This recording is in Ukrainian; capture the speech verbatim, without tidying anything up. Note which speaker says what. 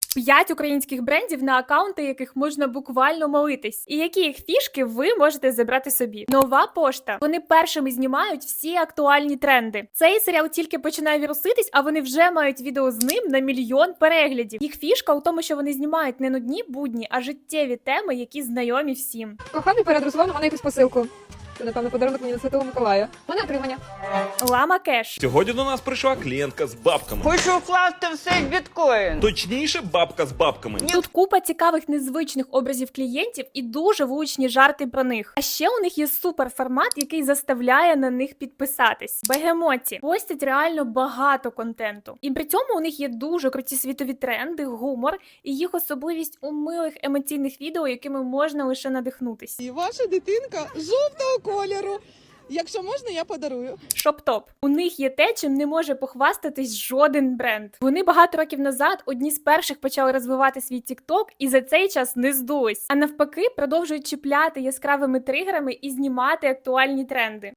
Speaker 1: П'ять українських брендів, на акаунти яких можна буквально молитись. І які їх фішки ви можете забрати собі. Нова пошта. Вони першими знімають всі актуальні тренди. Цей серіал тільки починає віруситись, а вони вже мають відео з ним на мільйон переглядів. Їх фішка у тому, що вони знімають не нудні будні, а життєві теми, які знайомі всім.
Speaker 2: Коханий перед розлом мене якусь посилку. Це, напевно, подарунок мені на Святого Миколая. У мене отримання.
Speaker 1: Лама Кеш.
Speaker 3: Сьогодні до нас прийшла клієнтка з бабками.
Speaker 4: Хочу вкласти все в біткоін.
Speaker 3: Точніше, бабка з бабками.
Speaker 1: Тут купа цікавих незвичних образів клієнтів і дуже влучні жарти про них. А ще у них є суперформат, який заставляє на них підписатись. Бегемоті постять реально багато контенту. І при цьому у них є дуже круті світові тренди, гумор і їх особливість у милих емоційних відео, якими можна лише надихнутись.
Speaker 5: І ваша дитинка жовтого кольору. Якщо можна, я подарую.
Speaker 1: Шоп-топ. У них є те, чим не може похвастатись жоден бренд. Вони багато років назад одні з перших почали розвивати свій TikTok і за цей час не здулись. А навпаки, продовжують чіпляти яскравими тригерами і знімати актуальні тренди.